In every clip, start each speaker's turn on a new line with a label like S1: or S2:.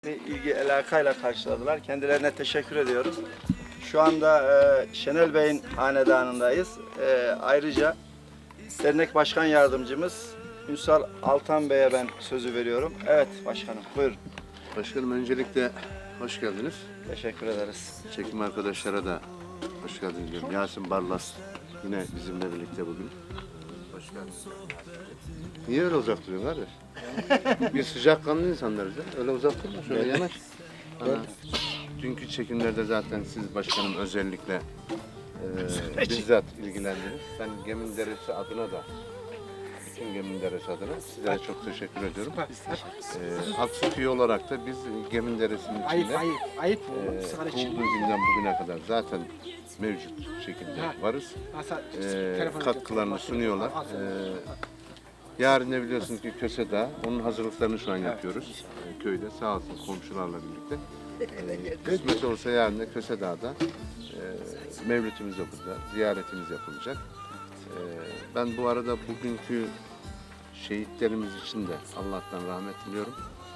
S1: ilgi alakayla karşıladılar. Kendilerine teşekkür ediyoruz. Şu anda Şenel Bey'in hanedanındayız. Ayrıca dernek başkan yardımcımız Ünsal Altan Bey'e ben sözü veriyorum. Evet başkanım, buyurun.
S2: Başkanım öncelikle hoş geldiniz.
S1: Teşekkür ederiz.
S2: Çekim arkadaşlara da hoş geldiniz diyorum. Yasin Barlas yine bizimle birlikte bugün. Hoş geldiniz. Niye öyle uzak duruyorsun kardeş? Biz sıcakkanlı insanlarız ya. Öyle uzak durma, şöyle yanaş. Dünkü çekimlerde zaten siz başkanım özellikle bizzat ilgilendiniz. Ben Gemin Deresi adına da bütün Gemin Deresi adına sizlere çok teşekkür ediyorum. Aksuk üye olarak da biz Gemin Deresi'nin içinde kurulduğu günden bugüne kadar zaten mevcut şekilde varız. Katkılarını sunuyorlar. Yarın ne biliyorsunuz ki Köse Dağı, onun hazırlıklarını şu an yapıyoruz köyde, sağ olsun komşularla birlikte. Kısmet olursa yarın da Köse Dağ'da mevlütümüz okulda, ziyaretimiz yapılacak. Ben bu arada bugünkü şehitlerimiz için de Allah'tan rahmet diliyorum.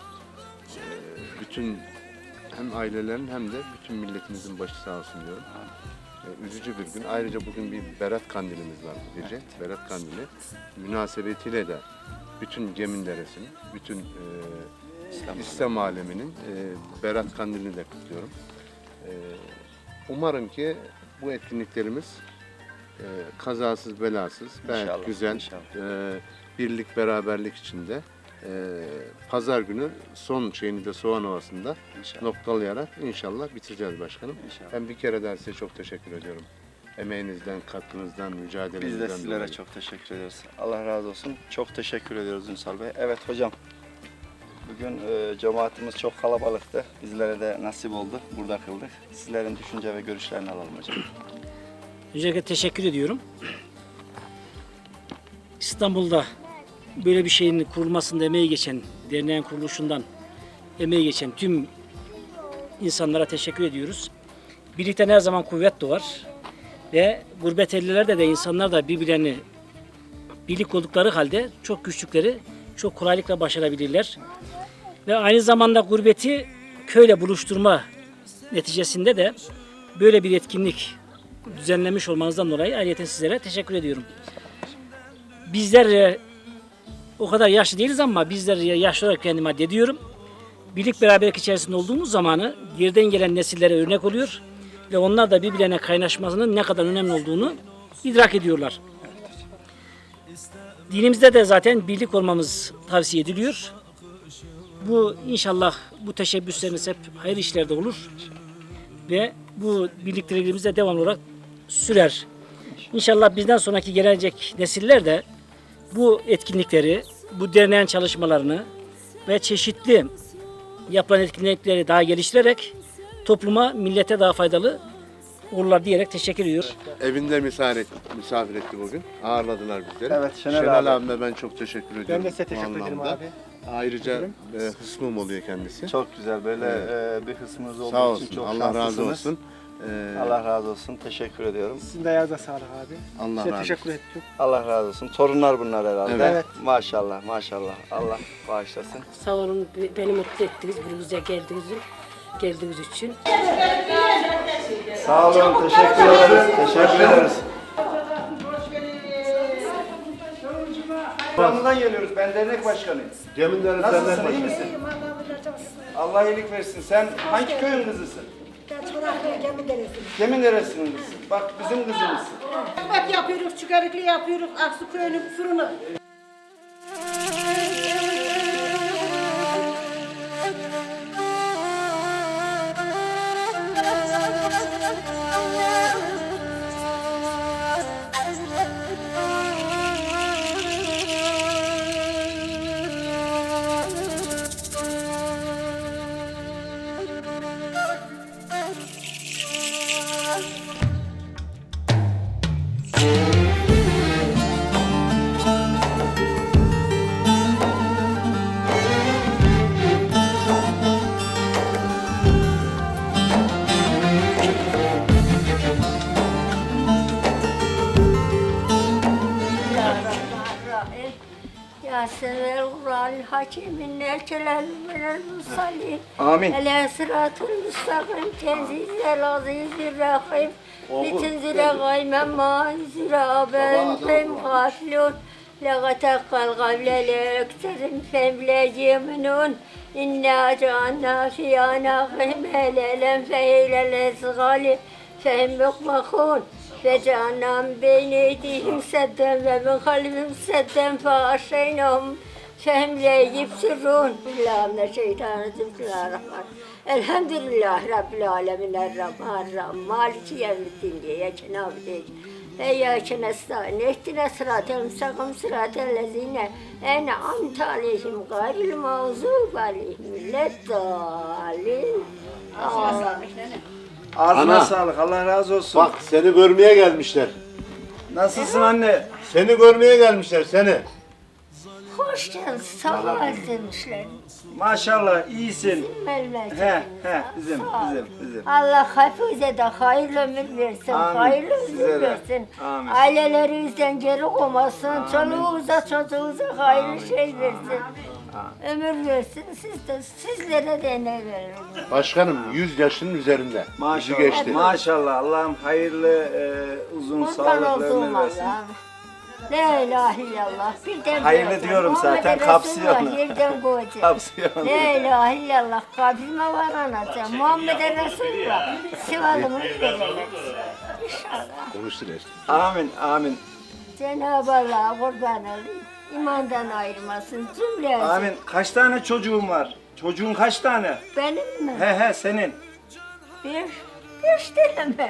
S2: Bütün hem ailelerin hem de bütün milletimizin başı sağ olsun diyorum. Üzücü bir gün. Ayrıca bugün bir Berat Kandilimiz var bu gece. Berat Kandili münasebetiyle de bütün Gemin Deresi'nin, bütün İslam aleminin Berat Kandilini de kutluyorum. Umarım ki bu etkinliklerimiz kazasız belasız, gayet güzel, birlik beraberlik içinde pazar günü son şeyini de Soğan Ovası'nda noktalayarak inşallah bitireceğiz başkanım. Ben bir kere daha size çok teşekkür ediyorum. Emeğinizden, katkınızdan, mücadelenizden.
S1: Biz de sizlere
S2: dolayı.
S1: çok teşekkür ediyoruz. Allah razı olsun. Çok teşekkür ediyoruz Ünsal Bey. Evet hocam. Bugün cemaatimiz çok kalabalıktı. Bizlere de nasip oldu. Burada kıldık. Sizlerin düşünce ve görüşlerini alalım hocam.
S3: Öncelikle teşekkür ediyorum. İstanbul'da böyle bir şeyin kurulmasında emeği geçen, derneğin kuruluşundan emeği geçen tüm insanlara teşekkür ediyoruz. Birlikten her zaman kuvvet doğar ve gurbet ellerde de insanlar da birbirlerini birlik oldukları halde çok güçlükleri çok kolaylıkla başarabilirler. Ve aynı zamanda gurbeti köyle buluşturma neticesinde de böyle bir etkinlik düzenlemiş olmanızdan dolayı ayrıca sizlere teşekkür ediyorum. Bizler o kadar yaşlı değiliz ama bizler yaşlı olarak kendime addediyorum. Birlik beraberlik içerisinde olduğumuz zamanı geriden gelen nesillere örnek oluyor ve onlar da birbirlerine kaynaşmasının ne kadar önemli olduğunu idrak ediyorlar. Dinimizde de zaten birlik olmamız tavsiye ediliyor. Bu inşallah bu teşebbüslerimiz hep hayır işlerde olur ve bu birlikteliklerimiz de devamlı olarak sürer. İnşallah bizden sonraki gelecek nesiller de bu etkinlikleri, bu derneğin çalışmalarını ve çeşitli yapılan etkinlikleri daha geliştirerek topluma, millete daha faydalı olurlar diyerek teşekkür ediyorum.
S2: Evinde misafir etti bugün. Ağırladılar bizleri.
S1: Evet, Şenel
S2: Şenel
S1: abi.
S2: abime ben çok teşekkür ediyorum.
S4: Ben de size
S2: bu
S4: teşekkür ederim
S2: anlamda.
S4: abi.
S2: Ayrıca hısmım oluyor kendisi.
S1: Çok güzel. Böyle bir kısmınız olduğu
S2: Sağ
S1: için
S2: olsun.
S1: çok
S2: Allah razı
S1: şanslısınız.
S2: olsun.
S1: Allah razı olsun. Teşekkür ediyorum.
S4: Sizin de ayağınıza sağlık abi.
S2: Allah
S4: Size
S2: razı
S4: teşekkür
S2: olsun.
S4: ettim.
S1: Allah razı olsun. Torunlar bunlar herhalde.
S2: Evet.
S1: Maşallah, maşallah. Allah bağışlasın.
S5: Sağ olun, beni mutlu ettiniz buraya geldiğiniz için.
S1: Sağ olun, teşekkür ederiz. Teşekkür ederiz. Buramızdan geliyoruz. Ben dernek başkanıyım.
S2: Gemin Deresi
S1: Nasılsın,
S2: Dernek
S1: iyi
S2: Başkanı.
S1: misin? Allah iyilik versin. Sen hangi köyün kızısın? Gemin Deresi'nin kızısın. Bak bizim kızımızsın.
S6: Bak yapıyoruz, çıkarıklı yapıyoruz, Aksu köyünün fırını.
S7: Ya sever Kur'an.
S4: الحكيم الكلام من المرسلين
S1: Amin.
S4: على صراط المستقيم تنزيل العزيز الرحيم لتنزل غيما ما أنزل أبان غافلون لغتق القبل ليكترم فهم لا يمنون إنا جعلنا في أعناقهم هلالا فهيل الأسغال فهم مخمخون فجعلنا من بين أيديهم سدا ومن خلفهم سدا فغشيناهم فهم لا يبصرون بالله من الشيطان الرجيم بسم الله الرحمن الحمد لله رب العالمين الرحمن الرحيم مالك يوم الدين إياك نعبد وإياك نستعين اهدنا الصراط المستقيم صراط الذين أنعمت عليهم غير المغضوب عليهم ولا الضالين
S1: Ağzına
S2: Ana.
S1: sağlık. Allah razı olsun.
S2: Bak seni görmeye gelmişler.
S1: Nasılsın anne?
S2: Seni görmeye gelmişler seni.
S4: Hoş geldin, sağ ol demişler.
S1: Maşallah iyisin.
S4: Memleketimiz.
S1: Bizim.
S4: Allah hepimize de hayırlı ömür versin,
S1: Amin.
S4: hayırlı
S1: Size
S4: ömür
S1: de.
S4: versin.
S1: Amin.
S4: Ailelerimizden geri koymasın, çoluğumuza çocuğumuza hayırlı şey versin. Ömür versin, sizlere de ne verir.
S2: Başkanım 100 yaşının üzerinde.
S1: Maşallah.
S2: Yüzü geçti.
S1: Maşallah. Allah'ım hayırlı, uzun,
S4: Kurban
S1: sağlıklı
S4: olduğum
S1: ömür versin.
S4: Allah'ım. La ilahe illallah. Birden
S1: Hayırlı
S4: bırakın.
S1: diyorum
S4: Muhammed
S1: zaten,
S4: Resulullah
S1: kapsıyor onu.
S4: Yerden koyacak.
S1: Kapsıyor onu.
S4: La ilahe illallah. Kabrime varanacağım. Muhammed Resulullah. Sıvalımı verecek. İnşallah.
S2: Konuştu resmi.
S1: Amin. Amin.
S4: Cenab-ı Allah'a kurban olayım. İmandan ayırmasın cümlesi.
S1: Amin. Kaç tane çocuğun var? Çocuğun kaç tane?
S4: Benim mi?
S1: He senin.
S4: Beş tane mi?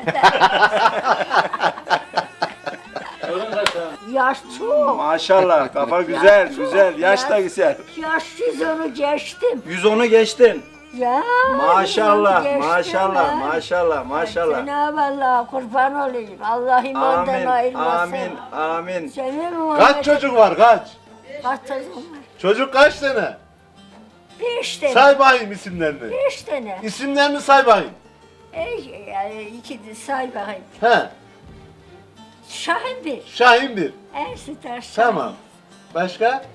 S4: Yaş çok.
S1: Maşallah. Kafa güzel. Yaş da güzel.
S4: Yaş 110'u geçtim.
S1: 110'u geçtin.
S4: Ya.
S1: Maşallah.
S4: 110'u geçtim
S1: Maşallah.
S4: ya.
S1: Maşallah.
S4: Cenab-ı Allah'a kurban olayım. Allah imandan
S1: Amin.
S4: ayırmasın.
S1: Amin.
S4: Senin Muhammed.
S2: Kaç çocuk var kaç?
S4: Kaç çocuğun var?
S2: Çocuk kaç tane?
S4: 5 tane.
S2: Say bakayım isimlerini.
S4: 5 tane.
S2: İsimlerini say bakayım.
S4: Yani iki de say bakayım.
S2: He.
S4: Şahin bir.
S2: Şahin bir.
S4: Ersin Taş.
S2: Tamam. Başka?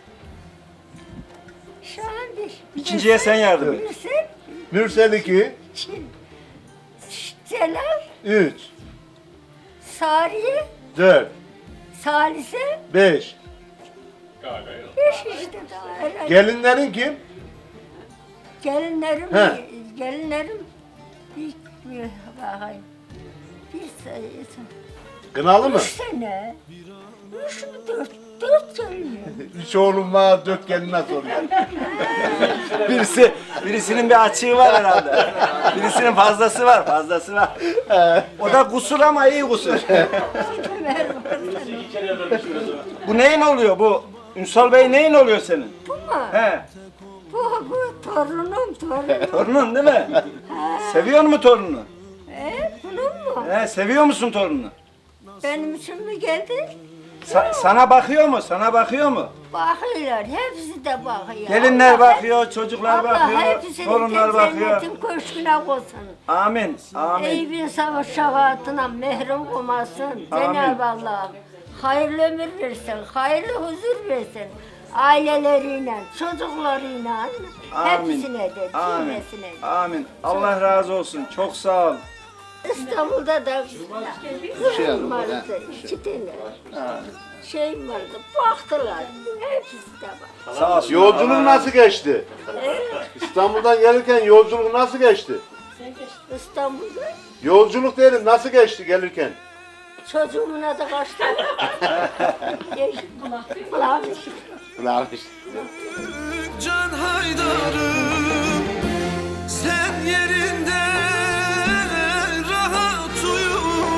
S4: Şahin bir.
S1: İkinciye sen yardım et.
S4: Mürsel.
S2: Mürsel 2,
S4: Çin. Celal.
S2: 3,
S4: Sariye.
S2: 4,
S4: Salise.
S2: 5.
S4: 5 işte daha herhalde.
S2: Gelinlerin kim?
S4: Gelinlerim.
S2: He.
S4: Gelinlerim. Bir bakayım. Bir sayısı.
S2: Kınalı mı?
S4: 3 sene. 3 mü 4? 4 gelin.
S2: 3 oğlum var, 4 gelin nasıl oluyor?
S1: Birisinin bir açığı var herhalde. Birisinin fazlası var. O da kusur ama iyi kusur. Bu neyin oluyor bu? Ünsal Bey neyin oluyor senin?
S4: Bu mu?
S1: He.
S4: Bu torunum.
S1: Torunun değil mi? Seviyor mu torununu?
S4: Bunun mu?
S1: He, seviyor musun torununu?
S4: Benim için mi geldi?
S1: Sana bakıyor mu?
S4: Bakıyorlar, hepsi de bakıyor.
S1: Gelinler
S4: Allah
S1: bakıyor, çocuklar
S4: Allah
S1: bakıyor,
S4: hepsini
S1: torunlar bakıyor.
S4: cennetin köşküne koysun.
S1: Amin. Amin.
S4: Eyüp'ün savaş şefaatine mehrum olmasın. Cenab-ı Allah'ım hayırlı ömür versin, hayırlı huzur versin. Aileleriyle, çocuklarıyla, hepsine de,
S1: Amin.
S4: cümlesine de.
S1: Amin. Allah razı olsun. Çok sağ ol.
S4: İstanbul'da da kızım vardı, 2 tane. Şey vardı, baktılar, hepsi de bak.
S1: Sağ olsun.
S2: Yolculuk nasıl geçti? İstanbul'dan gelirken yolculuk nasıl geçti?
S4: İstanbul'da
S2: Yolculuk diyelim nasıl geçti gelirken?
S4: çocuğumun adı kaçtı. Kulağım
S7: Can Haydar'ım sen yerinde rahat uyu,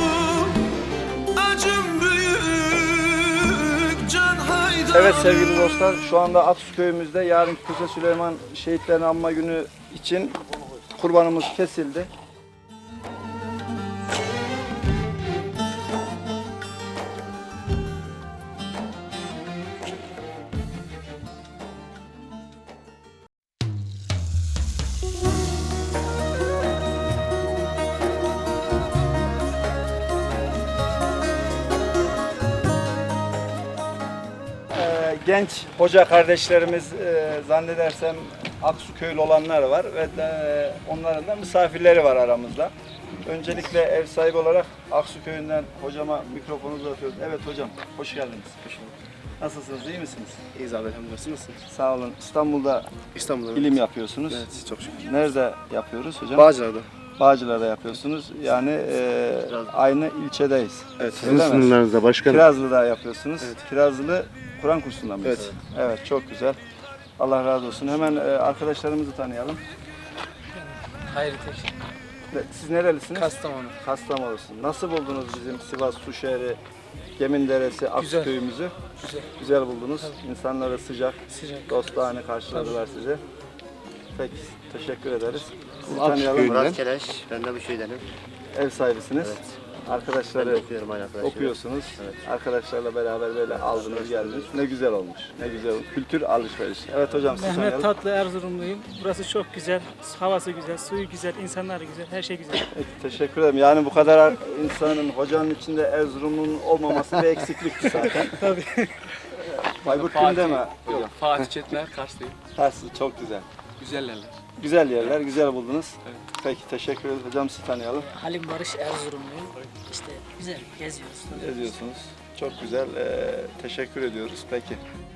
S7: acım büyük Can Haydar.
S1: Evet sevgili dostlar, şu anda Atus köyümüzde yarınki Kuse Süleyman şehitlerini anma günü için kurbanımız kesildi. genç hoca kardeşlerimiz zannedersem Aksu köylü olanlar var ve onların da misafirleri var aramızda. Öncelikle ev sahibi olarak Aksu köyünden hocama mikrofonu uzatıyoruz. Evet hocam, hoş geldiniz. Hoş bulduk. Nasılsınız, iyi misiniz?
S8: İyiyiz abi, elhamdülillah. Nasılsınız?
S1: Sağ olun. İstanbul'da
S8: İstanbul'da.
S1: ilim yapıyorsunuz.
S8: Evet, çok şükür.
S1: Nerede yapıyoruz hocam?
S8: Bağcılar'da.
S1: Bağcılar'da yapıyorsunuz. Yani aynı ilçedeyiz.
S8: Evet.
S2: Sizin sınırlarınızda başkanım.
S1: Kirazlı'da yapıyorsunuz.
S8: Evet.
S1: Kirazlı Kur'an kursunda mıyız?
S8: Evet.
S1: Evet, çok güzel. Allah razı olsun. Hemen arkadaşlarımızı tanıyalım.
S9: Hayır tek.
S1: Siz nerelisiniz?
S9: Kastamonu.
S1: Kastamonu'sun. Nasıl buldunuz bizim Sivas Suşehri, Geminderesi, Aksu
S9: Güzel.
S1: köyümüzü?
S9: Güzel.
S1: Güzel buldunuz. İnsanları sıcak,
S9: Sıcak.
S1: dostane karşıladılar sizi. Peki, teşekkür ederiz. Sizi
S2: Aksu
S1: tanıyalım.
S2: köyünden.
S8: Murat Keleş, ben de bu şeydenim.
S1: Ev sahibisiniz.
S8: Evet.
S1: Arkadaşları
S8: Ben de okuyorum aynı arkadaşlar.
S1: okuyorsunuz.
S8: Evet.
S1: Arkadaşlarla beraber böyle aldınız geldiniz. Ne güzel olmuş. Ne güzel olmuş. Kültür alışverişi. Evet hocam siz
S9: Mehmet
S1: tanıyalım.
S9: Tatlı Erzurumluyum. Burası çok güzel. Havası güzel, suyu güzel, insanları güzel, her şey güzel.
S1: Peki, teşekkür ederim. Yani bu kadar insanın, hocanın içinde Erzurum'un olmaması bir eksiklikti zaten.
S9: Tabii.
S1: Bayburt kimde mi hocam?
S10: Fatih Çetiner Karslıyım.
S1: Tersi çok güzel.
S10: Güzel yerler.
S1: Güzel yerler, güzel buldunuz. Peki teşekkür ederiz. Hocam sizi tanıyalım.
S11: Halim Barış Erzurumluyum. İşte güzel geziyoruz.
S1: Geziyorsunuz. Çok güzel. Teşekkür ediyoruz. Peki.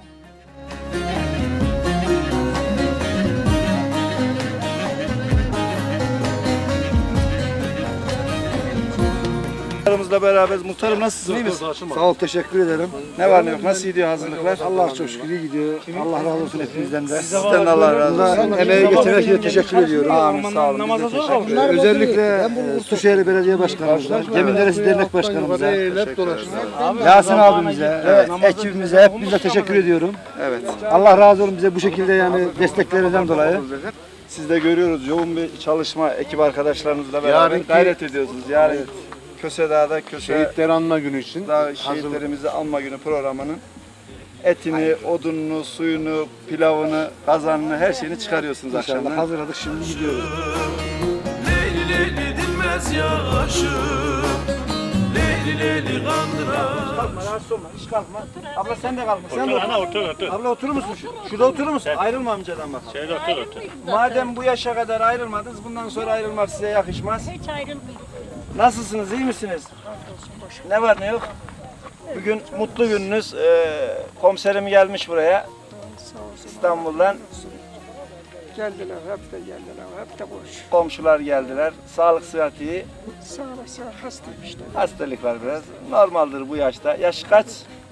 S1: Muhtarımızla beraberiz. Muhtarım nasılsın? İyi misin?
S12: Sağ ol, teşekkür ederim.
S1: Ne var ne yok? Nasıl gidiyor hazırlıklar?
S12: Allah çok şükür iyi gidiyor. Allah razı olsun hepinizden de.
S1: Sizden de Allah razı olsun.
S12: Bunda emeği geçen herkese teşekkür ediyorum.
S1: Amin. Sağ olun. Biz de teşekkür ederiz.
S12: Özellikle Suşehri Belediye Başkanımıza, Geminderesi Dernek Başkanımıza, Yasin abimize, ekibimize, hepinize teşekkür ediyorum.
S1: Evet.
S12: Allah razı olsun bize bu şekilde yani desteklerinden dolayı.
S1: Siz de görüyoruz yoğun bir çalışma ekip arkadaşlarınızla beraber
S2: Yarınki-
S1: gayret ediyorsunuz. Yarın Kösedağ'da
S2: Şehitleri anma günü için
S1: Dağ şehitlerimizi anma günü programının etini, odununu, suyunu, pilavını, kazanını, her şeyini çıkarıyorsunuz
S12: İnşallah
S1: akşamdan.
S12: hazırladık, şimdi gidiyoruz.
S7: Leyli leyli dinmez yaşım, Leyli leyli kandıra.
S1: Kalkma, rahatsız olma, hiç kalkma. Abla sen de kalkma. Sen de otur. Abla oturur musun? Şurada oturur musun? Ayrılma amcadan bak.
S3: Şöyle otur.
S1: Madem bu yaşa kadar ayrılmadınız, bundan sonra ayrılmak size yakışmaz.
S4: Hiç ayrılmıyor.
S1: Nasılsınız, iyi misiniz? Ne var ne yok? Bugün mutlu gününüz. Komiserim gelmiş buraya. İstanbul'dan.
S11: Geldiler, hep de geldiler, hep de boş.
S1: Komşular geldiler. Sağlık sıhhat iyi.
S11: Sağ olasın, hastayım işte.
S1: Hastalık var biraz. Normaldir bu yaşta. Yaş kaç?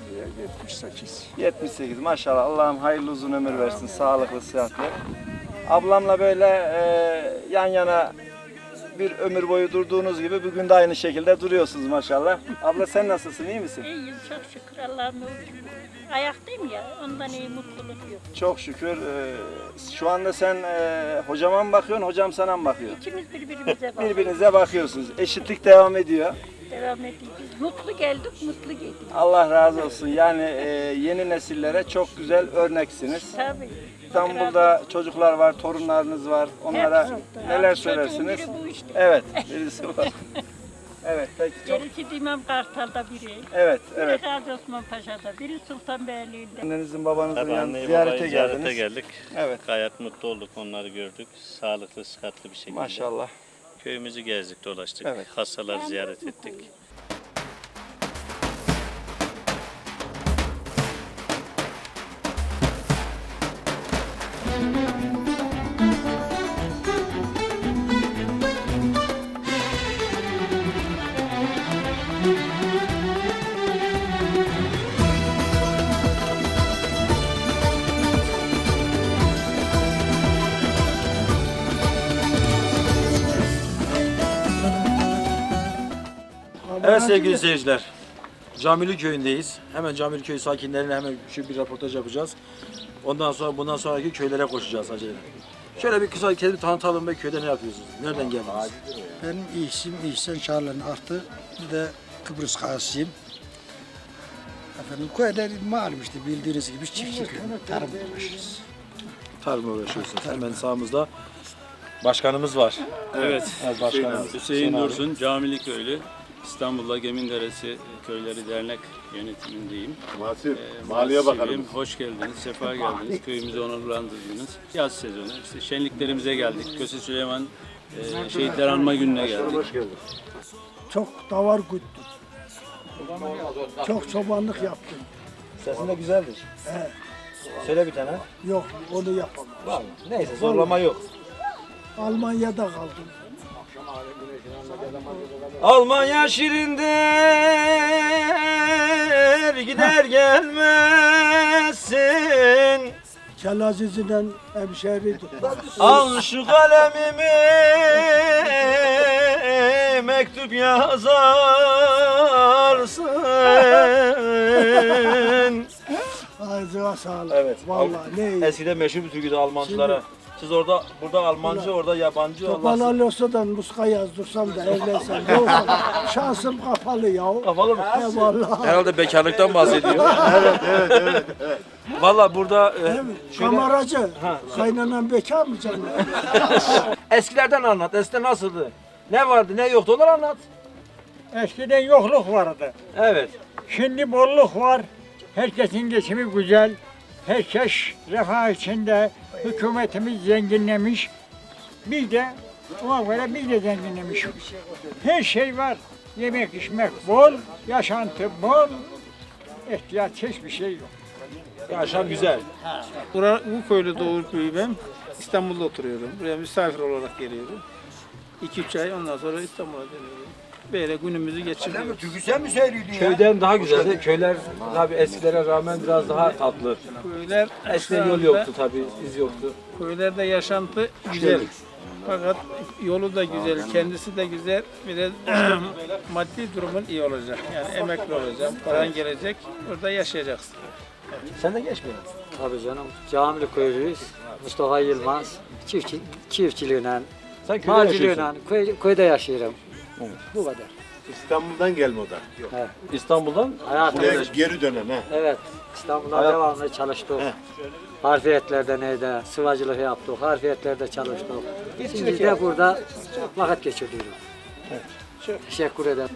S11: 78.
S1: 78. Maşallah. Allah'ım hayırlı uzun ömür versin. Sağlıklı, sıhhatli. Ablamla böyle yan yana bir ömür boyu durduğunuz gibi bugün de aynı şekilde duruyorsunuz maşallah. Abla sen nasılsın? İyi misin?
S4: İyiyim çok şükür Allah'ım. Ayaktayım ya ondan iyi mutluluk yok.
S1: Çok şükür. Şu anda sen hocama mı bakıyorsun, hocam sana mı bakıyor?
S4: İkimiz birbirimize bakıyoruz.
S1: Birbirinize bakıyorsunuz. Eşitlik devam ediyor.
S4: Devam ediyoruz. Mutlu geldik, mutlu geldik.
S1: Allah razı olsun. Yani yeni nesillere çok güzel örneksiniz.
S4: Tabii.
S1: İstanbul'da çocuklar var, torunlarınız var. Onlara
S4: Hepsi.
S1: neler
S4: Çocuğun
S1: söylersiniz?
S4: biri bu işte.
S1: Evet, birisi var. Evet, peki çok.
S4: Birisi İmam Kartal'da biri.
S1: Evet,
S4: Biri
S1: evet.
S4: Gazi Osman Paşa'da, biri Sultanbeyli'de.
S1: Annenizin babanızın
S10: Tabii
S1: yanına
S10: anneyi
S1: ziyarete
S10: babayı ziyarete
S1: geldiniz.
S10: geldik.
S1: Evet,
S10: Gayet mutlu olduk, onları gördük. Sağlıklı, sıhhatli bir şekilde.
S1: maşallah.
S10: Köyümüzü gezdik, dolaştık.
S1: Evet.
S10: Hastaları ziyaret ettik.
S13: Evet sevgili seyirciler, Camili Köyü'ndeyiz. Hemen Camili Köyü sakinlerine hemen şu bir röportaj yapacağız. Ondan sonra bundan sonraki köylere koşacağız acele. Şöyle bir kısa kendimi tanıtalım ve köyde ne yapıyorsunuz? Nereden geldiniz?
S12: Benim isim İhsan Çağlar'ın artı, bir de Kıbrıs Kasiyim. Efendim köyde malum işte bildiğiniz gibi çiftçilik, tarım uğraşırız.
S13: Tarımla uğraşıyorsunuz. Hemen sağımızda başkanımız var.
S10: Evet,
S13: Evet başkanım.
S10: Hüseyin Dursun, Camili Köylü. İstanbul'da Geminderesi Köyleri Dernek yönetimindeyim.
S2: Maliye
S10: Mahsibim.
S2: Bakanımız.
S10: Hoş geldiniz, sefa geldiniz. Köyümüzü onurlandırdınız. Yaz sezonu, işte şenliklerimize geldik. Köse Süleyman Şehitler Anma Günü'ne geldik.
S12: Çok davar güttüm. Çok çobanlık yaptım.
S13: Sesin de güzeldir. Söyle bir tane.
S12: Yok, onu yapamam.
S13: Var mı? Neyse zorlama yok.
S12: Almanya'da kaldım.
S13: Almanya şirindir, gider gelmezsin.
S12: Kelaziz'le hemşeriydi.
S13: Al şu kalemimi, mektup yazarsın.
S12: Ağzına sağlık.
S13: Evet.
S12: Vallahi ne iyi.
S13: Eskiden meşhur bir türküydü Almancılara. Siz orada, burada Almancı, orada yabancı.
S12: Topal olsa da muska yazdırsam da evlensem. Yoksa şansım kapalı ya.
S13: Kapalı mı?
S12: Vallahi.
S13: Herhalde bekarlıktan bahsediyor. evet. Valla burada...
S12: Kameracı. Kaynanan bekar mı canım?
S13: Eskilerden anlat. Eskiden nasıldı? Ne vardı, ne yoktu? Onları anlat.
S11: Eskiden yokluk vardı.
S13: Evet.
S11: Şimdi bolluk var. Herkesin geçimi güzel. Herkes refah içinde. Hükümetimiz zenginlemiş. Biz de ona göre biz de zenginlemişiz. Her şey var. Yemek içmek bol, yaşantı bol. İhtiyaç hiçbir şey yok.
S13: Yaşam güzel.
S9: Bu köyde doğup büyüdüm. İstanbul'da oturuyorum. Buraya misafir olarak geliyorum. 2-3 ay ondan sonra İstanbul'a dönüyorum. Böyle günümüzü geçiriyoruz.
S13: Köyden daha güzel. Köyler tabii eskilere rağmen biraz daha tatlı.
S9: Köyler
S13: Eskiden yol yoktu tabii, iz yoktu.
S9: Köylerde yaşantı güzel. Fakat yolu da güzel, kendisi de güzel. Biraz maddi durumun iyi olacak. Yani emekli olacak, paran gelecek, burada yaşayacaksın.
S13: Sen de geç mi?
S3: Tabii canım. Camili köylüyüz. Mustafa Yılmaz. Çiftçiliğine,
S13: Sen köyde yaşıyorsun.
S3: maciliğine, köyde yaşıyorum. Bu kadar.
S2: İstanbul'dan gelme o da. Yok.
S13: İstanbul'dan
S2: Buraya geri dönen ha.
S3: Evet. İstanbul'da devamlı çalıştık. Harfiyetlerde neydi? Sıvacılık yaptık. Harfiyetlerde çalıştık. Şimdi de burada vakit geçiriyoruz. Teşekkür ederim.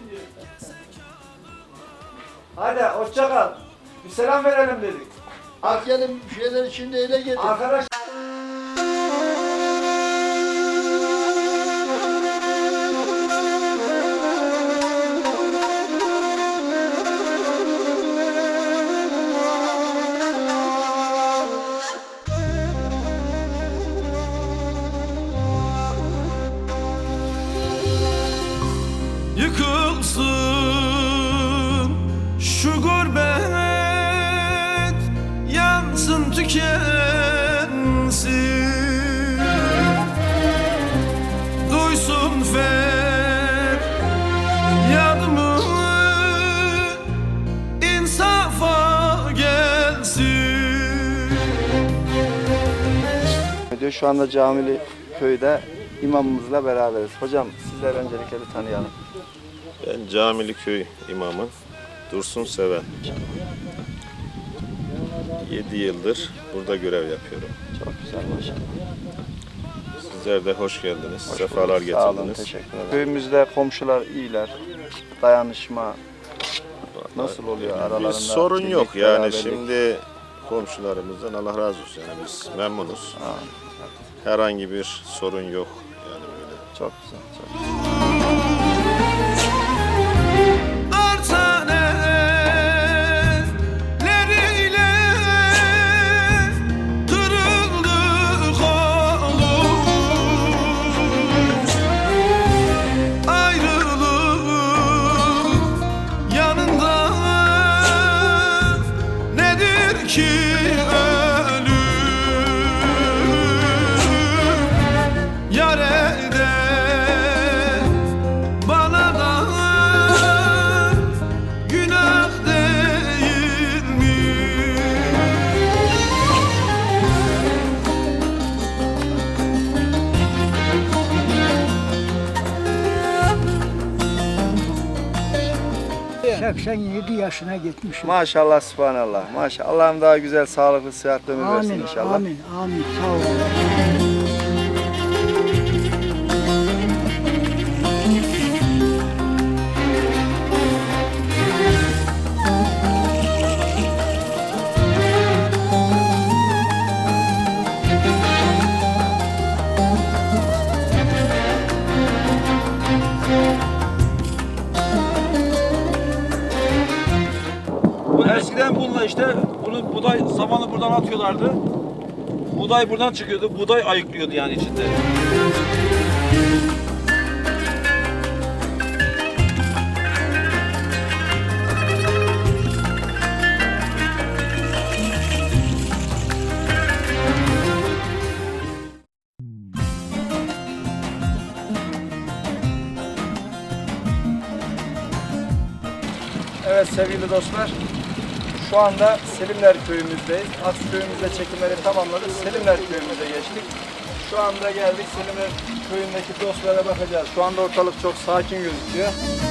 S1: Hadi hoşça kal. Bir selam verelim dedik.
S12: Gelin şeyler içinde ele gelin.
S1: Arkadaş
S7: Yıkılsın şu gurbet, yansın tükensin, duysun feryadımı, insafa gelsin.
S1: Şu anda Camili köyde imamımızla beraberiz. Hocam sizler öncelikle bir tanıyalım.
S14: Ben Camili Köy imamı Dursun Seven. 7 yıldır burada görev yapıyorum.
S1: Çok güzel maşallah.
S14: Sizler de hoş geldiniz. Sefalar getirdiniz.
S1: Sağ olun, teşekkür ederim. Köyümüzde komşular iyiler. Dayanışma nasıl oluyor aralarında?
S14: Bir sorun
S1: birlik,
S14: yok yani
S1: beraberlik?
S14: şimdi komşularımızdan Allah razı olsun yani biz memnunuz. Herhangi bir sorun yok yani böyle.
S1: Çok güzel. Çok güzel.
S7: Artaneleriyle kırıldı kolum, ayrılık yanında nedir ki ölüm, yar elde bana da günah değil mi?
S12: Evet. 87 yaşına gitmişim.
S1: Maşallah subhanallah. Maşallah. Allah'ım daha güzel, sağlıklı, sıhhatli ömür versin
S12: Amin,
S1: inşallah.
S12: amin, amin. Sağ olun.
S13: Eskiden bununla işte bunu buğday samanı buradan atıyorlardı. Buğday buradan çıkıyordu. Buğday ayıklıyordu yani içinde.
S1: Evet sevgili dostlar, şu anda Selimler köyümüzdeyiz. Aks köyümüzde çekimleri tamamladık. Selimler köyümüze geçtik. Şu anda geldik Selimler köyündeki dostlara bakacağız. Şu anda ortalık çok sakin gözüküyor.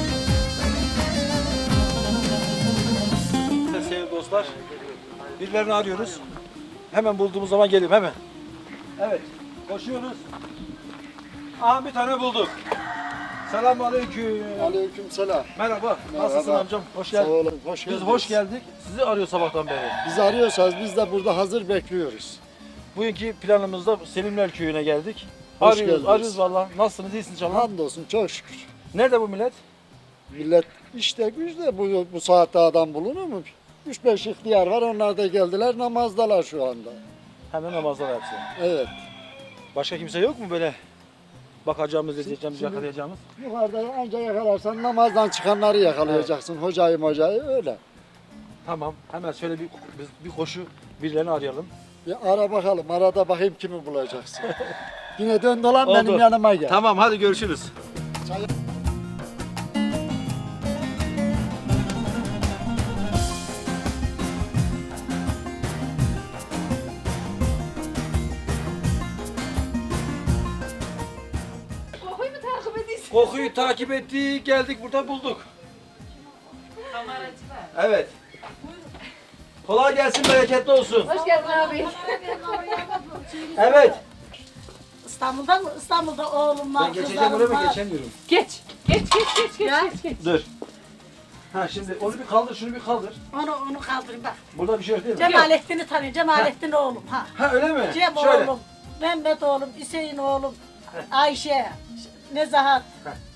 S13: Sevgili dostlar, birilerini arıyoruz. Hemen bulduğumuz zaman geliyorum hemen. Evet, koşuyoruz. Aha bir tane bulduk. Selamünaleyküm.
S12: Aleykümselam.
S13: Merhaba. Nasılsın amcam? Hoş geldin.
S12: Sağ olun. Hoş
S13: Biz
S12: geldiniz.
S13: hoş geldik. Sizi arıyor sabahtan beri.
S12: Bizi arıyorsanız biz de burada hazır bekliyoruz.
S13: Bugünkü planımızda Selimler Köyü'ne geldik.
S12: Hoş
S13: Arıyoruz,
S12: geldiniz.
S13: arıyoruz valla. Nasılsınız, iyisiniz inşallah?
S12: Hamdolsun çok şükür.
S13: Nerede bu millet?
S12: Millet işte güçte bu saatte adam bulunur mu? 3-5 ihtiyar var, onlar da geldiler, namazdalar şu anda.
S13: Hemen namazlar hepsi.
S12: Evet.
S13: Başka kimse yok mu böyle bakacağımız, izleyeceğimiz, yakalayacağımız?
S12: Yukarıda anca yakalarsan namazdan çıkanları yakalayacaksın. Hocayı öyle.
S13: Tamam. Hemen şöyle bir koşu birilerini arayalım.
S12: Bir ara bakalım, arada bakayım kimi bulacaksın. Yine dön dolan
S13: Oldu.
S12: benim yanıma gel.
S13: Tamam hadi görüşürüz.
S6: Kokuyu mu takip ediyorsun?
S13: Kokuyu takip ettik, geldik burada bulduk. Evet. Kolay gelsin, bereketli olsun.
S6: Hoş geldin abi.
S13: Evet.
S6: İstanbul'dan mı? İstanbul'da oğlum var.
S13: Ben geçeceğim oraya mı geçemiyorum?
S6: Geç. Geç. Geç.
S13: Dur. Ha şimdi onu bir kaldır, şunu bir kaldır.
S6: Onu kaldırayım bak.
S13: Burada bir şey yok değil mi?
S6: Cemalettin'i tanıyor. Cemalettin oğlum. Ha.
S13: Ha öyle mi?
S6: Cem
S13: Şöyle.
S6: oğlum. Mehmet oğlum. Hüseyin oğlum. Ayşe. Nezahat.